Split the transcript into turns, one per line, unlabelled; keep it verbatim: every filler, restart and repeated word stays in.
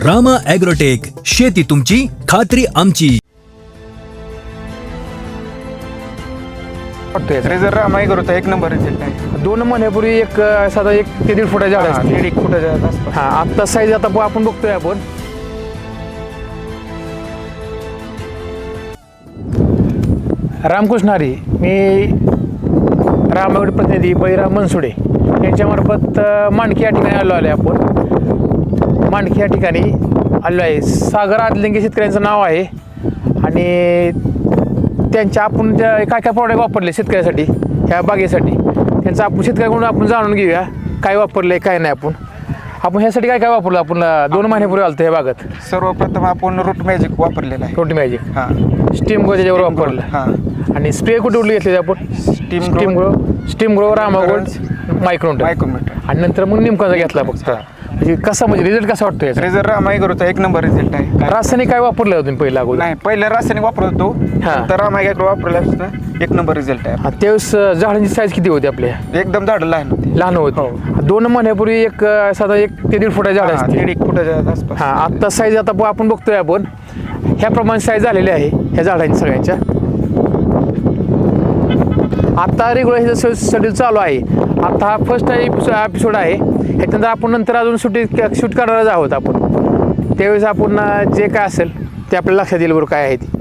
Rama agrotech, शेती तुमची, खात्री आमची.
रेझर रामा ॲग्रोचा एक नंबर रिझल्ट आहे.
दोन महिन्यापूर्वी एक अं, साधा एक ते दीड फुटाच्या झाड
हा,
असते.
दीड एक फुटाच्या आसपास.
हा आत्ता साईज आता ब- आपण बघतोय आपण रामकृष्ण हरी. मी रामागड प्रतिनिधी बळीराम मनसुडे यांच्यामार्फत अं, मांडकी या ठिकाणी आलो आहे. आपण मांडकी या ठिकाणी आलो आहे. सागर आदलिंगे शेतकऱ्यांचं नाव आहे आणि त्यांच्या आपण ज्या काय काय प्रॉडक्ट वापरले शेतकऱ्यासाठी ह्या बागेसाठी त्यांचं आपण शेतकऱ्याकडून आपण जाणून घेऊया काय वापरले काय नाही. आपण आपण ह्यासाठी काय काय वापरलं. आपण दोन महिन्यापूर्वी आलं ह्या बागात
सर्वप्रथम आपण रूट मॅजिक वापरलेला आहे.
रोटी मॅजिक
हा
स्टीम ग्रो त्याच्यावर वापरलं.
हा
आणि स्प्रे कुठे कुठले घेतले आपण
steam
steam grow steam grow रामागोल्ड मायक्रोन
मायक्रोमीटर
आणि नंतर मग निमकाचा घेतला फक्त. म्हणजे कसा म्हणजे रिझल्ट कसा वाटतो याचा.
रेझर रामा ॲग्रोचा एक नंबर रिझल्ट आहे. काय-
रासायनिक काय वापरलं होतं तुम्ही पहिला अगोदर.
नाही पहिलं रासायनिक वापरत होतो
हा.
तर रामा ॲग्रो वापरला असतं एक नंबर रिझल्ट आहे.
हा, त्यावेळेस अं, झाडांची साईज किती होती आपल्या.
एकदम झाड लहान होती.
लहान होती. दोन महिन्यापूर्वी एक अं, साधा एक ते दीड फुटाच्या झाड
हा,
असते.
दीड एक फुटाच्या आसपास.
हा आत्ता साईज आता ब- आपण बघतोय आपण ह्याप्रमाणे साईज झालेली आहे ह्या झाडांची सगळ्यांच्या. आता रेग्युलर शेड्यूल चालू आहे. आता हा फर्स्ट एपिसोड आहे. ह्याच्यानंतर आपण नंतर अजून शूटिंग शूट करणारच आहोत आपण. त्यावेळेस आपण अं, जे काय असेल ते आपल्याला लक्षात येईल बरोबर काय आहे ते.